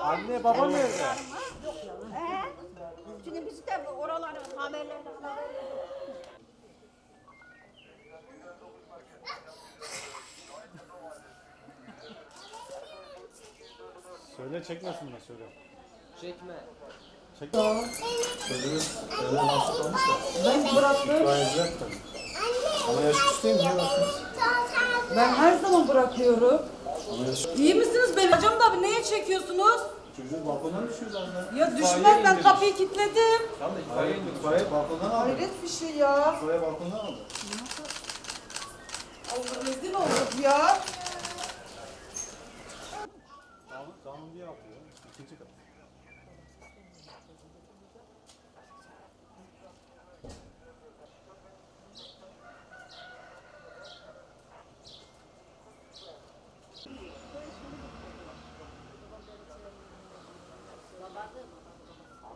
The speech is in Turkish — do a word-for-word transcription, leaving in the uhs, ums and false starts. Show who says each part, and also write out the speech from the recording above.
Speaker 1: Anne baba nerede?
Speaker 2: He? Şimdi biz de oraların haberlerini
Speaker 1: Söyle çekmesinler söyle.
Speaker 3: Çekme.
Speaker 1: Çekme lan. Çocuğun evden hastalanmış da.
Speaker 4: Ben bıraktım.
Speaker 1: İtfaiyeciler tabii. Ama yaş küçük niye baktınız?
Speaker 4: Ben her zaman bırakıyorum.
Speaker 1: Ama yaş
Speaker 4: İyi misiniz benim? Hocam da bir neye çekiyorsunuz?
Speaker 1: Çocuğu balkondan düşüyor zaten.
Speaker 4: Ya düşmez, ben kapıyı kilitledim.
Speaker 3: Tamam da
Speaker 1: Hayır,
Speaker 3: itfaiye
Speaker 1: itfaiye balkondan aldı.
Speaker 4: Hayret bir şey ya.
Speaker 1: İtfaiye balkondan aldı.
Speaker 4: Allah rezil olduk ya.
Speaker 1: Kanun, kanun diye yapıyor. İkinci kat.
Speaker 2: Babası